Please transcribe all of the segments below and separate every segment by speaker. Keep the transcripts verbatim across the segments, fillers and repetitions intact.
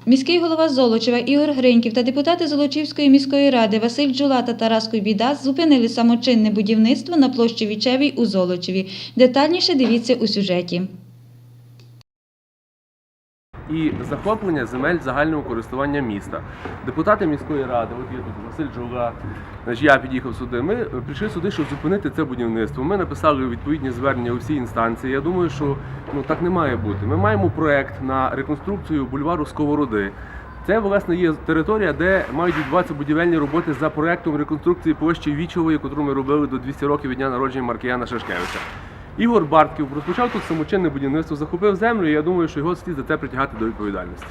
Speaker 1: Міський голова Золочева Ігор Гриньків та депутати Золочівської міської ради Василь Джула та Тарас Куйбіда зупинили самочинне будівництво на площі Вічевій у Золочеві. Детальніше дивіться у сюжеті.
Speaker 2: І захоплення земель загального користування міста. Депутати міської ради, от є тут Василь Джула, значить, я під'їхав сюди, ми прийшли сюди, щоб зупинити це будівництво. Ми написали відповідні звернення у всі інстанції. Я думаю, що ну, так не має бути. Ми маємо проєкт на реконструкцію бульвару Сковороди. Це, власне, є територія, де мають відбуватися будівельні роботи за проєктом реконструкції площі Вічової, яку ми робили до двохсот років від дня народження Маркіяна Шашкевича. Ігор Бартків розпочав тут самочинне будівництво, захопив землю, і я думаю, що його слід за це притягати до відповідальності.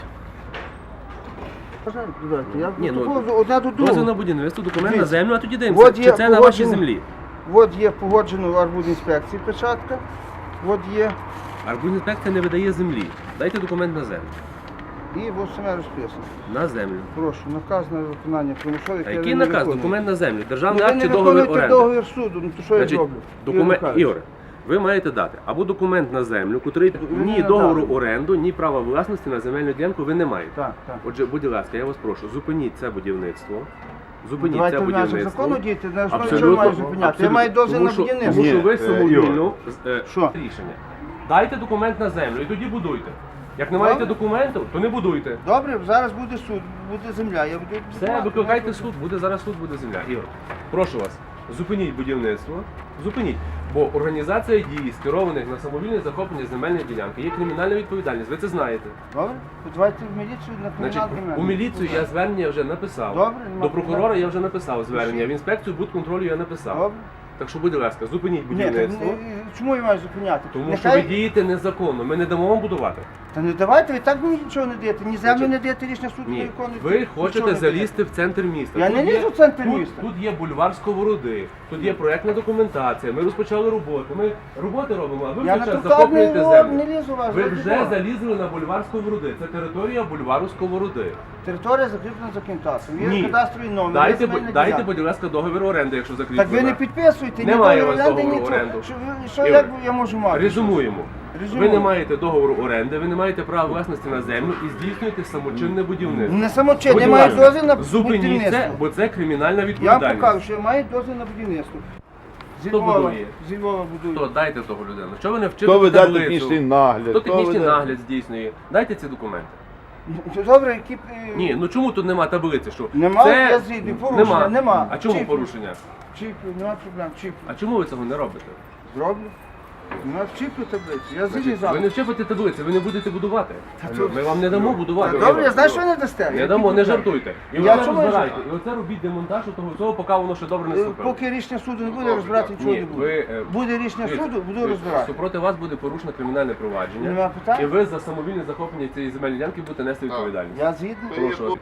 Speaker 3: Я
Speaker 2: Ні, ну,
Speaker 3: одна до
Speaker 2: дозвіл
Speaker 3: другого.
Speaker 2: на будівництво, документ на
Speaker 3: Дивіться.
Speaker 2: землю, а тоді дивимося,
Speaker 3: От
Speaker 2: чи
Speaker 3: є
Speaker 2: це на вашій
Speaker 3: погоджено-
Speaker 2: землі.
Speaker 3: От є погоджено в арбудінспекції печатка, от є,
Speaker 2: Арбудінспекція не видає землі. Дайте документ на землю.
Speaker 3: і ось саме розписано.
Speaker 2: На землю.
Speaker 3: Прошу, наказ на виконання примусових.
Speaker 2: А
Speaker 3: я
Speaker 2: який
Speaker 3: не
Speaker 2: наказ?
Speaker 3: виконую.
Speaker 2: Документ на землю.
Speaker 3: Ну,
Speaker 2: Державний
Speaker 3: ви
Speaker 2: акт
Speaker 3: не
Speaker 2: чи договір
Speaker 3: виконуєте
Speaker 2: оренди?
Speaker 3: договір суду, ну то що я
Speaker 2: Значить,
Speaker 3: зроблю?
Speaker 2: документ...
Speaker 3: Ігор Михайлович.
Speaker 2: Ігоре, ви маєте дати або документ на землю, котрий
Speaker 3: Ви
Speaker 2: ні
Speaker 3: не
Speaker 2: договору
Speaker 3: надали.
Speaker 2: оренду, ні права власності на земельну ділянку ви не маєте.
Speaker 3: Так, так.
Speaker 2: Отже, будь ласка, я вас прошу, зупиніть це будівництво. Зупиніть
Speaker 3: Давайте
Speaker 2: це
Speaker 3: в межах
Speaker 2: будівництво.
Speaker 3: закону діти, на основі
Speaker 2: Абсолютно,
Speaker 3: чого маю зупиняти? Я
Speaker 2: абсолютно.
Speaker 3: маю дозвіл
Speaker 2: Тому
Speaker 3: на
Speaker 2: що-
Speaker 3: будівництво.
Speaker 2: Тому що ви
Speaker 4: Ні, е,
Speaker 2: самовільно е,
Speaker 3: Що?
Speaker 2: рішення. Дайте документ на землю і тоді будуйте. Як не маєте
Speaker 3: Добре.
Speaker 2: документів, то не будуйте.
Speaker 3: Добре, зараз буде суд, буде земля. Я буду
Speaker 2: Все,
Speaker 3: будувати.
Speaker 2: викликайте суд, буде зараз суд, буде земля. Ігор, прошу вас, зупиніть будівництво, зупиніть. Бо організація дій, скерованих на самовільне захоплення земельної ділянки, є кримінальна відповідальність, ви це знаєте.
Speaker 3: Добре, давайте в міліцію на
Speaker 2: Значить,
Speaker 3: кримінал
Speaker 2: у міліцію я звернення вже написав.
Speaker 3: Добре, нема
Speaker 2: До прокурора
Speaker 3: проблем.
Speaker 2: я вже написав звернення, в інспекцію будконтролю я написав.
Speaker 3: Добре.
Speaker 2: Так що, будь ласка, зупиніть
Speaker 3: Ні, так,
Speaker 2: будівництво.
Speaker 3: не- чому я маю зупиняти?
Speaker 2: Тому що
Speaker 3: Нехай-
Speaker 2: ви дієте незаконно, ми не дамо вам будувати.
Speaker 3: Та не давайте, ви так мені нічого не даєте, ні землю
Speaker 2: Значить,
Speaker 3: не даєте, рішення суду не
Speaker 2: Ні,
Speaker 3: виконуєте.
Speaker 2: ви
Speaker 3: нічого
Speaker 2: хочете
Speaker 3: не даєте.
Speaker 2: залізти в центр міста.
Speaker 3: Я
Speaker 2: Тут
Speaker 3: не
Speaker 2: є-
Speaker 3: лізу в центр
Speaker 2: тут,
Speaker 3: міста.
Speaker 2: Тут є бульвар Сковороди, тут є проєктна документація, ми розпочали роботу. Ми роботи робимо, а ви
Speaker 3: Я
Speaker 2: в
Speaker 3: на
Speaker 2: цей час
Speaker 3: тротуар не,
Speaker 2: захоплюєте
Speaker 3: ло-
Speaker 2: землю.
Speaker 3: не лізу вас.
Speaker 2: Ви
Speaker 3: ради
Speaker 2: вже
Speaker 3: Бога.
Speaker 2: залізли на бульвар Сковороди. Це територія бульвару Сковороди.
Speaker 3: Територія закріплена за кінтасом. Є
Speaker 2: Ні.
Speaker 3: кадастровий номер.
Speaker 2: Дайте,
Speaker 3: є
Speaker 2: бу-
Speaker 3: земельна
Speaker 2: дайте,
Speaker 3: ділянка.
Speaker 2: будь ласка, договір оренди, якщо
Speaker 3: Так
Speaker 2: закріплено.
Speaker 3: ви не підписуєте, ні
Speaker 2: Немає
Speaker 3: договір
Speaker 2: у вас
Speaker 3: оренди,
Speaker 2: договору
Speaker 3: нічого.
Speaker 2: оренду.
Speaker 3: Що, ви- що
Speaker 2: Ігор,
Speaker 3: як я можу мати?
Speaker 2: Резюмуємо.
Speaker 3: Резюмуємо.
Speaker 2: Ви не маєте договору оренди, ви не маєте права власності на землю і здійснюєте самочинне будівництво.
Speaker 3: Не самочинне, я
Speaker 2: Будь
Speaker 3: маю
Speaker 2: ласка,
Speaker 3: дозвіл на
Speaker 2: зупиніть це,
Speaker 3: будівництво.
Speaker 2: бо це кримінальна
Speaker 3: Я вам
Speaker 2: відповідальність.
Speaker 3: покажу, що я маю дозвіл на будівництво. Зі
Speaker 2: Хто
Speaker 3: Львова,
Speaker 2: будує?
Speaker 3: зі Львова
Speaker 2: То
Speaker 3: будую.
Speaker 2: дайте того людину. Що ви не вчите
Speaker 4: Хто веде
Speaker 2: таблицю?
Speaker 4: технічний нагляд?
Speaker 2: Хто
Speaker 4: хто
Speaker 2: технічний
Speaker 4: веде-
Speaker 2: нагляд здійснює? Дайте ці документи.
Speaker 3: Ну, Добре, які... е,
Speaker 2: Ні, ну чому тут нема таблиці? Що?
Speaker 3: Нема,
Speaker 2: Це...
Speaker 3: я згідний, порушення,
Speaker 2: нема.
Speaker 3: нема.
Speaker 2: А чому
Speaker 3: Чіп.
Speaker 2: порушення?
Speaker 3: Чіплю, нема проблем, чіплю.
Speaker 2: А чому ви цього не робите?
Speaker 3: Зроблю. Нема чіплю таблицю, я згідний
Speaker 2: Значить,
Speaker 3: завтра.
Speaker 2: ви не вчепите таблиці, ви не будете будувати.
Speaker 3: то-
Speaker 2: Ми вам не дамо будувати.
Speaker 3: Та Добре, я знаю, що ви не дасте.
Speaker 2: Не
Speaker 3: Які
Speaker 2: дамо, не
Speaker 3: проблеми?
Speaker 2: жартуйте. І
Speaker 3: Я
Speaker 2: оце
Speaker 3: чому
Speaker 2: розбирайте.
Speaker 3: жартую?
Speaker 2: І оце робіть демонтаж того всього, поки воно ще добре не
Speaker 3: Е,
Speaker 2: ступило.
Speaker 3: Поки рішення суду не буде розбирати, нічого
Speaker 2: Ні,
Speaker 3: не
Speaker 2: ви,
Speaker 3: буде.
Speaker 2: е,
Speaker 3: Буде рішення
Speaker 2: Дивіться,
Speaker 3: суду, буду
Speaker 2: дивіться,
Speaker 3: розбирати.
Speaker 2: Супроти вас буде порушено кримінальне провадження.
Speaker 3: Нема питань.
Speaker 2: І ви за самовільне захоплення цієї земельної ділянки будете нести відповідальність.
Speaker 3: Я згідний.
Speaker 2: Прошу.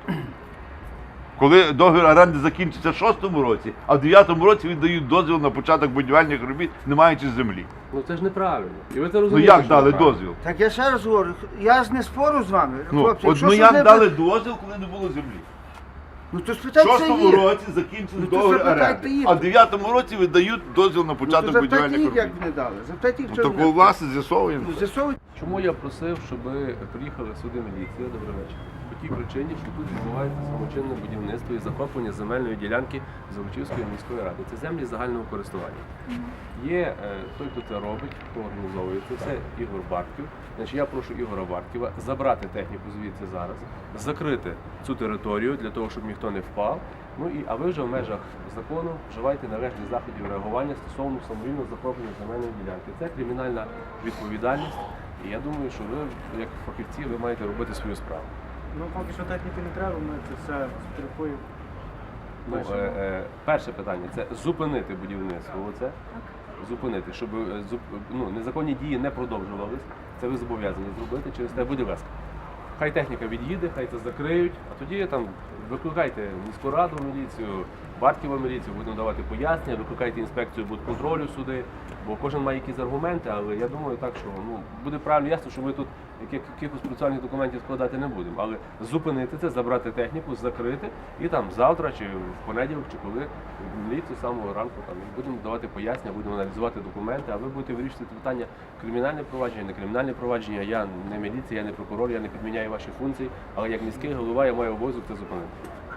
Speaker 4: Коли договір оренди закінчиться в шостому році, а в дев'ятому році віддають дозвіл на початок будівельних робіт, не маючи землі.
Speaker 2: Ну це ж неправильно. І ви це
Speaker 4: Ну
Speaker 2: розумієте.
Speaker 4: як
Speaker 2: що
Speaker 4: дали
Speaker 2: неправильно.
Speaker 4: дозвіл?
Speaker 3: Так я ще раз говорю, я ж не спору з вами,
Speaker 4: Ну,
Speaker 3: хлопці.
Speaker 4: от,
Speaker 3: якщо
Speaker 4: ну
Speaker 3: щось
Speaker 4: як
Speaker 3: не
Speaker 4: дали
Speaker 3: буде-
Speaker 4: дозвіл, коли не було землі?
Speaker 3: Ну то
Speaker 4: В
Speaker 3: спитайте
Speaker 4: шостому
Speaker 3: їх.
Speaker 4: році закінчили
Speaker 3: Ну, то
Speaker 4: договір
Speaker 3: запитайте
Speaker 4: оренди,
Speaker 3: їх.
Speaker 4: а в дев'ятому році видають дозвіл на
Speaker 3: Ну, то
Speaker 4: початок
Speaker 3: запитайте
Speaker 4: будівельних
Speaker 3: їх,
Speaker 4: робіт.
Speaker 3: як вони дали. Запитайте їх,
Speaker 4: Ну
Speaker 3: що
Speaker 4: так
Speaker 3: вони
Speaker 4: у вас з'ясовуємо.
Speaker 3: Ну, з'ясовуйте.
Speaker 2: Чому я просив, щоб приїхали сюди міліція, добрий вечір, по тій причині, що тут відбувається самочинне будівництво і захоплення земельної ділянки Золочівської міської ради. Це землі загального користування. Є е, той, хто це робить, хто організовує це все, Ігор Бартків. Значить, я прошу Ігора Бартківа забрати техніку звідси зараз, закрити цю територію для того, щоб ніхто не впав. Ну і а ви вже в межах закону вживайте належних заходів реагування стосовно самовільного захоплення земельної ділянки. Це кримінальна відповідальність. І я думаю, що ви, як фахівці, ви маєте робити свою справу.
Speaker 5: Ну, поки що техніки не треба, ми це все сфотографуємо.
Speaker 2: Ну, е, е, перше питання це зупинити будівництво. Оце. Зупинити, щоб е, зуп, ну, незаконні дії не продовжувались. Це ви зобов'язані зробити через те, будь ласка. Хай техніка від'їде, хай це закриють, а тоді там викликайте міську раду міліцію, Бартківа міліцію, будемо давати пояснення, викликайте інспекцію будконтролю сюди, бо кожен має якісь аргументи, але я думаю так, що ну, буде правильно ясно, що ми тут яких- якихось процесуальних документів складати не будемо. Але зупинити це, забрати техніку, закрити і там завтра чи в понеділок, чи коли в міліцію з самого ранку там будемо давати пояснення, будемо аналізувати документи, а ви будете вирішувати питання кримінальне провадження, не кримінальне провадження. Я не міліція, я не прокурор, я не підміняю ваші функції, але як міський голова я маю обов'язок це зупинити.